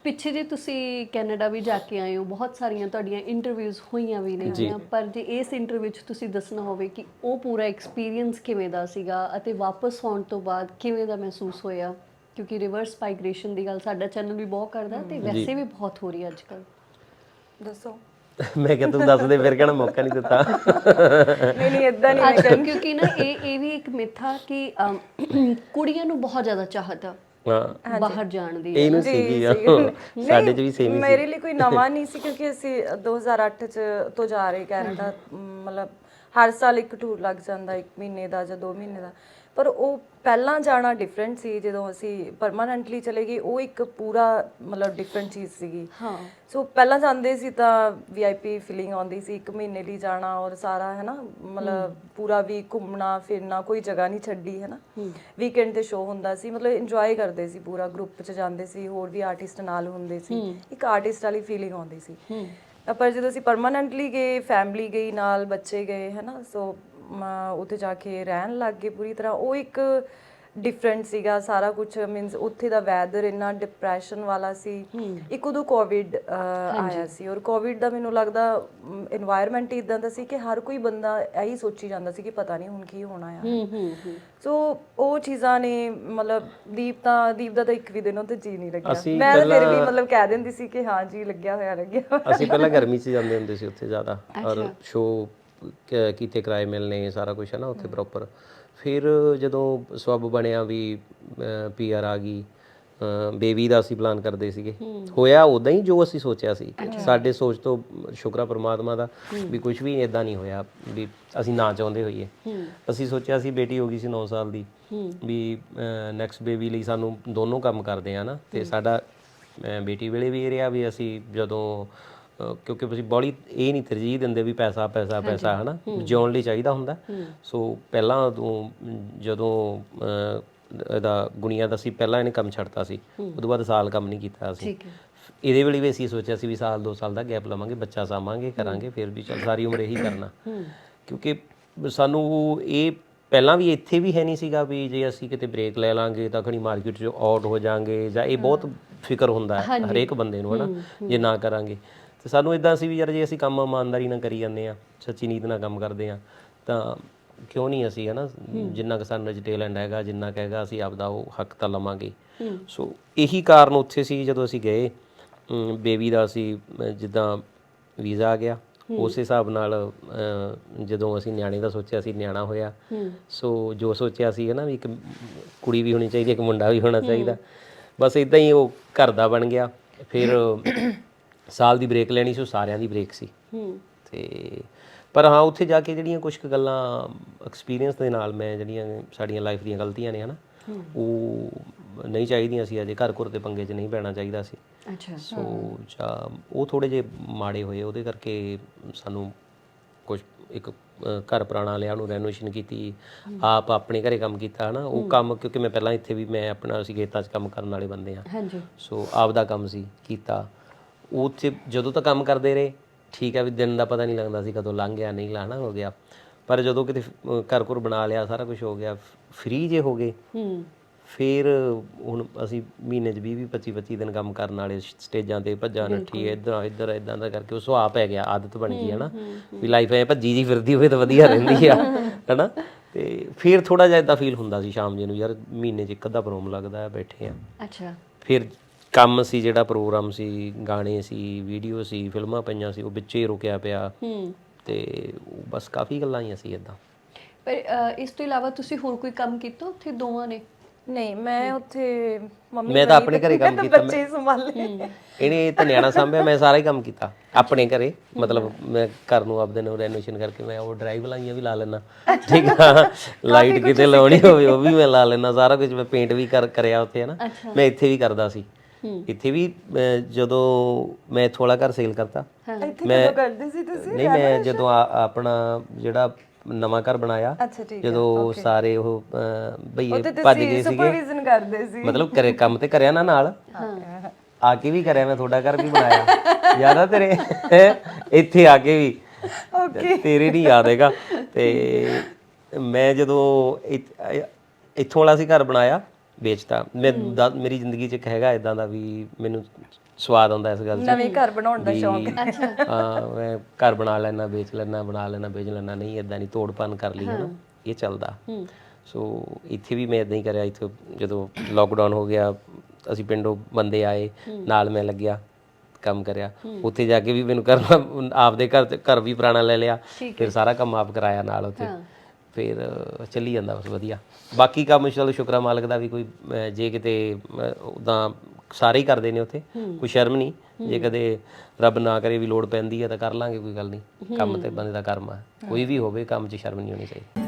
ਪਿੱਛੇ ਜੇ ਤੁਸੀਂ ਕੈਨੇਡਾ ਵੀ ਜਾ ਕੇ ਆਏ ਹੋ, ਬਹੁਤ ਸਾਰੀਆਂ ਤੁਹਾਡੀਆਂ ਇੰਟਰਵਿਊਜ਼ ਹੋਈਆਂ ਵੀ ਨੇਗੀਆਂ, ਪਰ ਜੇ ਇਸ ਇੰਟਰਵਿਊ 'ਚ ਤੁਸੀਂ ਦੱਸਣਾ ਹੋਵੇ ਕਿ ਉਹ ਪੂਰਾ ਐਕਸਪੀਰੀਅੰਸ ਕਿਵੇਂ ਦਾ ਸੀਗਾ ਅਤੇ ਵਾਪਸ ਆਉਣ ਤੋਂ ਬਾਅਦ ਕਿਵੇਂ ਦਾ ਮਹਿਸੂਸ ਹੋਇਆ, ਕਿਉਂਕਿ ਰਿਵਰਸ ਮਾਈਗ੍ਰੇਸ਼ਨ ਦੀ ਗੱਲ ਸਾਡਾ ਚੈਨਲ ਵੀ ਬਹੁਤ ਕਰਦਾ ਤੇ ਵੈਸੇ ਵੀ ਬਹੁਤ ਹੋ ਰਹੀ ਅੱਜ ਕੱਲ੍ਹ। ਦੱਸੋ। ਮੈਂ ਕਿਹਾ ਤੂੰ ਦੱਸ ਦੇ, ਫਿਰ ਕਹਿਣਾ ਮੌਕਾ ਨਹੀਂ ਦਿੱਤਾ। ਨਹੀਂ ਨਹੀਂ ਇਦਾਂ ਨਹੀਂ ਅੱਜ ਕਿਉਂਕਿ ਨਾ ਇਹ ਵੀ ਇੱਕ ਮਿੱਥ ਆ ਕਿ ਕੁੜੀਆਂ ਨੂੰ ਬਹੁਤ ਜ਼ਿਆਦਾ ਚਾਹਤ ਆ ਹਾਂ ਬਾਹਰ ਜਾਣ ਦੀ। ਇਹਨੂੰ ਸੀਗੀ ਸਾਡੇ 'ਚ ਵੀ ਸੇਮ ਹੀ ਸੀ। ਮੇਰੇ ਲਈ ਕੋਈ ਨਵਾਂ ਨਹੀਂ ਸੀ ਕਿਉਂਕਿ ਅਸੀਂ 2008 ਚ ਤੋਂ ਜਾ ਰਹੇ ਕੈਨੇਡਾ। ਮਤਲਬ ਹਰ ਸਾਲ ਇੱਕ ਟੂਰ ਲੱਗ ਜਾਂਦਾ, 1 ਮਹੀਨੇ ਦਾ ਜਾਂ 2 ਮਹੀਨੇ ਦਾ। ਪਰ ਉਹ ਪਹਿਲਾਂ ਜਾਣਾ ਡਿਫਰੈਂਟ ਸੀ, ਜਦੋਂ ਅਸੀਂ ਪਰਮਾਨੈਂਟਲੀ ਚਲੇ ਗਏ ਉਹ ਇੱਕ ਪੂਰਾ ਮਤਲਬ ਡਿਫਰੈਂਟ ਚੀਜ਼ ਸੀਗੀ। ਹਾਂ ਸੋ ਪਹਿਲਾਂ ਜਾਂਦੇ ਸੀ ਤਾਂ VIP ਫੀਲਿੰਗ ਆਉਂਦੀ ਸੀ, 1 ਮਹੀਨੇ ਲਈ ਜਾਣਾ ਔਰ ਸਾਰਾ ਹੈ ਨਾ, ਮਤਲਬ ਪੂਰਾ ਵੀ ਘੁੰਮਣਾ ਫਿਰਨਾ, ਕੋਈ ਜਗ੍ਹਾ ਨਹੀਂ ਛੱਡੀ ਹੈ ਨਾ। ਵੀਕਐਂਡ ਤੇ ਸ਼ੋਅ ਹੁੰਦਾ ਸੀ, ਮਤਲਬ ਇੰਜੋਏ ਕਰਦੇ ਸੀ, ਪੂਰਾ ਗਰੁੱਪ 'ਚ ਜਾਂਦੇ ਸੀ, ਹੋਰ ਵੀ ਆਰਟਿਸਟ ਨਾਲ ਹੁੰਦੇ ਸੀ, ਇੱਕ ਆਰਟਿਸਟ ਵਾਲੀ ਫੀਲਿੰਗ ਆਉਂਦੀ ਸੀ। ਪਰ ਜਦੋਂ ਅਸੀਂ ਪਰਮਾਨੈਂਟਲੀ ਗਏ, ਫੈਮਿਲੀ ਗਈ ਨਾਲ, ਬੱਚੇ ਗਏ ਹੈ ਨਾ, ਸੋ ਉੱਥੇ ਜਾ ਕੇ ਰਹਿਣ ਲੱਗ ਗਏ ਪੂਰੀ ਤਰ੍ਹਾਂ, ਉਹ ਇੱਕ ਡਿਫਰੈਂਟ ਸੀਗਾ ਸਾਰਾ ਕੁਝ। ਮੀਨਸ ਉੱਥੇ ਦਾ ਵੈਦਰ ਇੰਨਾ ਡਿਪਰੈਸ਼ਨ ਵਾਲਾ ਸੀ। ਇੱਕ ਉਦੋਂ ਕੋਵਿਡ ਆਇਆ ਸੀ, ਔਰ ਕੋਵਿਡ ਦਾ ਮੈਨੂੰ ਲੱਗਦਾ এনवायरमेंट ਇਦਾਂ ਦਾ ਸੀ ਕਿ ਹਰ ਕੋਈ ਬੰਦਾ ਇਹੀ ਸੋਚੀ ਜਾਂਦਾ ਸੀ ਕਿ ਪਤਾ ਨਹੀਂ ਹੁਣ ਕੀ ਹੋਣਾ ਆ। ਸੋ ਉਹ ਚੀਜ਼ਾਂ ਨੇ ਮਤਲਬ ਦੀਪ ਦਾ ਤਾਂ ਇੱਕ ਵੀ ਦਿਨ ਉੱਥੇ ਜੀ ਨਹੀਂ ਲੱਗਿਆ। ਮੈਂ ਤਾਂ ਫਿਰ ਵੀ ਮਤਲਬ ਕਹਿ ਦਿੰਦੀ ਸੀ ਕਿ ਹਾਂ ਜੀ ਲੱਗਿਆ ਹੋਇਆ। ਅਸੀਂ ਪਹਿਲਾਂ ਗਰਮੀ 'ਚ ਜਾਂਦੇ ਹੁੰਦੇ ਸੀ ਉੱਥੇ ਜ਼ਿਆਦਾ, ਔਰ ਸ਼ੋਅ ਕੀਤੇ ਕਿਰਾਏ ਮਿਲਣੇ, ਸਾਰਾ ਕੁਛ ਹੈ ਨਾ ਉੱਥੇ ਪ੍ਰੋਪਰ। ਫਿਰ ਜਦੋਂ ਸਬੱਬ ਬਣਿਆ ਵੀ PR ਆ ਗਈ, ਬੇਬੀ ਦਾ ਅਸੀਂ ਪਲਾਨ ਕਰਦੇ ਸੀਗੇ, ਹੋਇਆ ਉੱਦਾਂ ਹੀ ਜੋ ਅਸੀਂ ਸੋਚਿਆ ਸੀ। ਸਾਡੇ ਸੋਚ ਤੋਂ ਸ਼ੁਕਰ ਪਰਮਾਤਮਾ ਦਾ ਵੀ ਕੁਝ ਵੀ ਇੱਦਾਂ ਨਹੀਂ ਹੋਇਆ ਵੀ ਅਸੀਂ ਨਾ ਚਾਹੁੰਦੇ ਹੋਈਏ। ਅਸੀਂ ਸੋਚਿਆ ਸੀ, ਬੇਟੀ ਹੋ ਗਈ ਸੀ 9 ਸਾਲ ਦੀ, ਵੀ ਨੈਕਸਟ ਬੇਬੀ ਲਈ ਸਾਨੂੰ ਦੋਨੋਂ ਕੰਮ ਕਰਦੇ ਆ ਨਾ। ਅਤੇ ਸਾਡਾ ਬੇਟੀ ਵੇਲੇ ਵੀ ਇਹ ਰਿਹਾ ਵੀ ਅਸੀਂ ਜਦੋਂ ਕਿਉਂਕਿ ਅਸੀਂ ਬੜੀ ਇਹ ਨਹੀਂ ਤਰਜੀਹ ਦਿੰਦੇ ਵੀ ਪੈਸਾ ਪੈਸਾ ਪੈਸਾ ਹੈ ਨਾ, ਜਿਉਣ ਲਈ ਚਾਹੀਦਾ ਹੁੰਦਾ। ਸੋ ਪਹਿਲਾਂ ਜਦੋਂ ਇਹਦਾ ਗੁਣੀਆ ਦਾ ਸੀ, ਪਹਿਲਾਂ ਇਹਨੇ ਕੰਮ ਛੱਡਤਾ ਸੀ, ਉਦੋਂ ਬਾਅਦ ਸਾਲ ਕੰਮ ਨਹੀਂ ਕੀਤਾ ਅਸੀਂ। ਇਹਦੇ ਵੇਲੇ ਵੀ ਅਸੀਂ ਸੋਚਿਆ ਸੀ ਵੀ ਸਾਲ 2 ਸਾਲ ਦਾ ਗੈਪ ਲਵਾਂਗੇ, ਬੱਚਾ ਸਾਂਭਾਂਗੇ, ਕਰਾਂਗੇ, ਫਿਰ ਵੀ ਚੱਲ ਸਾਰੀ ਉਮਰ ਇਹੀ ਕਰਨਾ। ਕਿਉਂਕਿ ਸਾਨੂੰ ਇਹ ਪਹਿਲਾਂ ਵੀ ਇੱਥੇ ਵੀ ਹੈ ਨਹੀਂ ਸੀਗਾ ਵੀ ਜੇ ਅਸੀਂ ਕਿਤੇ ਬ੍ਰੇਕ ਲੈ ਲਾਂਗੇ ਤਾਂ ਖਣੀ ਮਾਰਕੀਟ 'ਚੋਂ ਆਊਟ ਹੋ ਜਾਵਾਂਗੇ, ਜਾਂ ਇਹ ਬਹੁਤ ਫਿਕਰ ਹੁੰਦਾ ਹੈ ਹਰੇਕ ਬੰਦੇ ਨੂੰ ਹੈ ਨਾ ਜੇ ਨਾ ਕਰਾਂਗੇ। ਅਤੇ ਸਾਨੂੰ ਇੱਦਾਂ ਸੀ ਵੀ ਯਾਰ ਜੇ ਅਸੀਂ ਕੰਮ ਇਮਾਨਦਾਰੀ ਨਾਲ ਕਰੀ ਜਾਂਦੇ ਹਾਂ, ਸੱਚੀ ਨੀਤ ਨਾਲ ਕੰਮ ਕਰਦੇ ਹਾਂ, ਤਾਂ ਕਿਉਂ ਨਹੀਂ ਅਸੀਂ ਹੈ ਨਾ, ਜਿੰਨਾ ਕੁ ਸਾਨੂੰ 'ਚ ਟੈਲੈਂਟ ਹੈਗਾ, ਜਿੰਨਾ ਕੁ ਹੈਗਾ, ਅਸੀਂ ਆਪਦਾ ਉਹ ਹੱਕ ਤਾਂ ਲਵਾਂਗੇ। ਸੋ ਇਹੀ ਕਾਰਨ ਉੱਥੇ ਸੀ। ਜਦੋਂ ਅਸੀਂ ਗਏ ਬੇਬੀ ਦਾ ਅਸੀਂ ਜਿੱਦਾਂ ਵੀਜ਼ਾ ਆ ਗਿਆ, ਉਸ ਹਿਸਾਬ ਨਾਲ ਜਦੋਂ ਅਸੀਂ ਨਿਆਣੇ ਦਾ ਸੋਚਿਆ ਸੀ, ਨਿਆਣਾ ਹੋਇਆ। ਸੋ ਜੋ ਸੋਚਿਆ ਸੀ ਹੈ ਨਾ ਵੀ ਇੱਕ ਕੁੜੀ ਵੀ ਹੋਣੀ ਚਾਹੀਦੀ, ਇੱਕ ਮੁੰਡਾ ਵੀ ਹੋਣਾ ਚਾਹੀਦਾ, ਬਸ ਇੱਦਾਂ ਹੀ ਉਹ ਘਰ ਦਾ ਬਣ ਗਿਆ। ਫਿਰ ਸਾਲ ਦੀ ਬ੍ਰੇਕ ਲੈਣੀ ਸੀ, ਉਹ ਸਾਰਿਆਂ ਦੀ ਬ੍ਰੇਕ ਸੀ। ਅਤੇ ਪਰ ਹਾਂ ਉੱਥੇ ਜਾ ਕੇ ਜਿਹੜੀਆਂ ਕੁਛ ਕੁ ਗੱਲਾਂ ਐਕਸਪੀਰੀਅੰਸ ਦੇ ਨਾਲ ਮੈਂ ਜਿਹੜੀਆਂ ਸਾਡੀਆਂ ਲਾਈਫ ਦੀਆਂ ਗਲਤੀਆਂ ਨੇ ਹੈ ਨਾ, ਉਹ ਨਹੀਂ ਚਾਹੀਦੀਆਂ ਸੀ। ਅਜੇ ਘਰ ਘੁਰ ਦੇ ਪੰਗੇ 'ਚ ਨਹੀਂ ਪੈਣਾ ਚਾਹੀਦਾ ਸੀ। ਸੋ ਜਾਂ ਉਹ ਥੋੜ੍ਹੇ ਜਿਹੇ ਮਾੜੇ ਹੋਏ, ਉਹਦੇ ਕਰਕੇ ਸਾਨੂੰ ਕੁਛ ਇੱਕ ਘਰ ਪੁਰਾਣਾ ਲਿਆ, ਉਹਨੂੰ ਰੈਨੋਵੇਸ਼ਨ ਕੀਤੀ, ਆਪ ਆਪਣੇ ਘਰੇ ਕੰਮ ਕੀਤਾ ਹੈ ਨਾ। ਉਹ ਕੰਮ ਕਿਉਂਕਿ ਮੈਂ ਪਹਿਲਾਂ ਇੱਥੇ ਵੀ ਮੈਂ ਆਪਣਾ ਅਸੀਂ ਖੇਤਾਂ 'ਚ ਕੰਮ ਕਰਨ ਵਾਲੇ ਬੰਦੇ ਹਾਂ, ਸੋ ਆਪਦਾ ਕੰਮ ਸੀ ਕੀਤਾ। ਉੱਥੇ ਜਦੋਂ ਤੱਕ ਕੰਮ ਕਰਦੇ ਰਹੇ ਠੀਕ ਹੈ, ਵੀ ਦਿਨ ਦਾ ਪਤਾ ਨਹੀਂ ਲੱਗਦਾ ਸੀ ਕਦੋਂ ਲੰਘ ਗਿਆ, ਨਹੀਂ ਲਾਣਾ ਹੋ ਗਿਆ। ਪਰ ਜਦੋਂ ਕਿਤੇ ਘਰ ਘੁਰ ਬਣਾ ਲਿਆ, ਸਾਰਾ ਕੁਛ ਹੋ ਗਿਆ, ਫ੍ਰੀ ਜੇ ਹੋ ਗਏ, ਫਿਰ ਹੁਣ ਅਸੀਂ ਮਹੀਨੇ 'ਚ 20-25 ਦਿਨ ਕੰਮ ਕਰਨ ਵਾਲੇ, ਸਟੇਜਾਂ 'ਤੇ ਭੱਜਾ ਨੱਠੀ, ਇੱਧਰ ਇੱਦਾਂ ਦਾ ਕਰਕੇ ਉਹ ਸੁਭਾਅ ਪੈ ਗਿਆ, ਆਦਤ ਬਣ ਗਈ ਹੈ ਨਾ ਵੀ ਲਾਈਫ ਐ ਭੱਜੀ ਜੀ ਫਿਰਦੀ ਹੋਵੇ ਤਾਂ ਵਧੀਆ ਰਹਿੰਦੀ ਆ ਹੈ ਨਾ। ਅਤੇ ਫਿਰ ਥੋੜ੍ਹਾ ਜਿਹਾ ਇੱਦਾਂ ਫੀਲ ਹੁੰਦਾ ਸੀ ਸ਼ਾਮ ਜੇ ਨੂੰ, ਯਾਰ ਮਹੀਨੇ 'ਚ ਇੱਕ ਅੱਧਾ ਪ੍ਰੋਗਰਾਮ ਲੱਗਦਾ, ਬੈਠੇ ਹਾਂ। ਫਿਰ ਕੰਮ ਸੀ, ਜਿਹੜਾ ਪ੍ਰੋਗਰਾਮ ਸੀ, ਗਾਣੇ ਸੀ, ਵੀਡੀਓ ਸੀ, ਫਿਲਮਾਂ ਪਈਆਂ ਸੀ, ਉਹ ਵਿੱਚੇ ਹੀ ਰੁਕਿਆ ਪਿਆ। ਅਤੇ ਬਸ ਕਾਫੀ ਗੱਲਾਂ ਆਈਆਂ ਸੀ ਇੱਦਾਂ। ਪਰ ਇਸ ਤੋਂ ਇਲਾਵਾ ਤੁਸੀਂ ਹੋਰ ਕੋਈ ਕੰਮ ਕੀਤਾ ਉੱਥੇ ਦੋਵਾਂ ਨੇ? ਨਹੀਂ, ਮੈਂ ਉੱਥੇ ਮੈਂ ਤਾਂ ਆਪਣੇ ਘਰੇ ਕੰਮ ਕੀਤਾ, ਬੱਚੇ ਸੰਭਾਲੇ, ਇਹਨੇ ਤਾਂ ਨਿਆਣਾ ਸਾਂਭਿਆ, ਮੈਂ ਸਾਰਾ ਹੀ ਕੰਮ ਕੀਤਾ ਆਪਣੇ ਘਰੇ। ਮਤਲਬ ਮੈਂ ਘਰ ਨੂੰ ਆਪਦੇ ਨੂੰ ਰੈਨੋਵੇਸ਼ਨ ਕਰਕੇ ਮੈਂ ਉਹ ਡਰਾਈਵ ਲਾਈਆਂ ਵੀ ਲਾ ਲੈਂਦਾ, ਠੀਕ ਆ, ਲਾਈਟ ਕਿਤੇ ਲਾਉਣੀ ਹੋਵੇ ਉਹ ਵੀ ਮੈਂ ਲਾ ਲੈਂਦਾ, ਸਾਰਾ ਕੁਝ। ਮੈਂ ਪੇਂਟ ਵੀ ਕਰਿਆ ਉੱਥੇ ਹੈ ਨਾ, ਮੈਂ ਇੱਥੇ ਵੀ ਕਰਦਾ ਸੀ। ਇੱਥੇ ਵੀ ਜਦੋਂ ਮੈਂ ਇੱਥੋਂ ਵਾਲਾ ਘਰ ਸੇਲ ਕਰਤਾ, ਨਹੀਂ ਮੈਂ ਜਦੋਂ ਆਪਣਾ ਜਿਹੜਾ ਨਵਾਂ ਘਰ ਬਣਾਇਆ, ਜਦੋਂ ਸਾਰੇ ਉਹ ਬਈਏ ਭੱਜ ਗਏ ਸੀਗੇ, ਮਤਲਬ ਘਰੇ ਕੰਮ ਤੇ ਕਰਿਆ ਨਾ, ਨਾਲ ਆ ਕੇ ਵੀ ਕਰਿਆ, ਮੈਂ ਤੁਹਾਡਾ ਘਰ ਵੀ ਬਣਾਇਆ, ਯਾਦ ਆ ਤੇਰੇ? ਇੱਥੇ ਆ ਕੇ ਵੀ, ਤੇਰੇ ਨਹੀਂ ਯਾਦ ਹੈਗਾ। ਅਤੇ ਮੈਂ ਜਦੋਂ ਇੱਥੋਂ ਵਾਲਾ ਸੀ ਘਰ ਬਣਾਇਆ, ਵੇਚਤਾ। ਮੇਰੀ ਜ਼ਿੰਦਗੀ 'ਚ ਇੱਕ ਹੈਗਾ ਇਦਾਂ ਦਾ ਵੀ ਮੈਨੂੰ ਸਵਾਦ ਆਉਂਦਾ ਇਸ ਗੱਲ 'ਚ, ਨਵੇਂ ਘਰ ਬਣਾਉਣ ਦਾ ਸ਼ੌਂਕ। ਹਾਂ ਮੈਂ ਘਰ ਬਣਾ ਲੈਣਾ, ਵੇਚ ਲੈਣਾ, ਬਣਾ ਲੈਣਾ, ਵੇਚ ਲੈਣਾ, ਨਹੀਂ ਇਦਾਂ ਨਹੀਂ ਤੋੜ ਭੰਨ ਕਰ ਲਈ ਹੈ ਨਾ, ਇਹ ਚੱਲਦਾ। ਸੋ ਇੱਥੇ ਵੀ ਮੈਂ ਇਦਾਂ ਹੀ ਕਰਿਆ। ਇੱਥੇ ਜਦੋਂ ਲੋਕਡਾਊਨ ਹੋ ਗਿਆ ਅਸੀਂ ਪਿੰਡੋਂ ਬੰਦੇ ਆਏ, ਨਾਲ ਮੈਂ ਲੱਗਿਆ, ਕੰਮ ਕਰਿਆ। ਉੱਥੇ ਜਾ ਕੇ ਵੀ ਮੈਨੂੰ ਕਰਨਾ, ਆਪਦੇ ਘਰ ਵੀ ਪੁਰਾਣਾ ਲੈ ਲਿਆ, ਫਿਰ ਸਾਰਾ ਕੰਮ ਆਪ ਕਰਾਇਆ ਨਾਲ ਉੱਥੇ, ਫਿਰ ਚੱਲੀ ਜਾਂਦਾ ਬਸ ਵਧੀਆ। ਬਾਕੀ ਕੰਮ ਚਲੋ ਸ਼ੁਕਰ ਆ ਮਾਲਕ ਦਾ ਵੀ, ਕੋਈ ਜੇ ਕਿਤੇ ਉੱਦਾਂ ਸਾਰੇ ਹੀ ਕਰਦੇ ਨੇ ਉੱਥੇ, ਕੋਈ ਸ਼ਰਮ ਨਹੀਂ। ਜੇ ਕਦੇ ਰੱਬ ਨਾ ਕਰੇ ਵੀ ਲੋੜ ਪੈਂਦੀ ਹੈ ਤਾਂ ਕਰ ਲਾਂਗੇ, ਕੋਈ ਗੱਲ ਨਹੀਂ। ਕੰਮ ਤੇ ਬੰਦੇ ਦਾ ਕਰਮ ਆ, ਕੋਈ ਵੀ ਹੋਵੇ ਕੰਮ 'ਚ ਸ਼ਰਮ ਨਹੀਂ ਹੋਣੀ ਚਾਹੀਦੀ।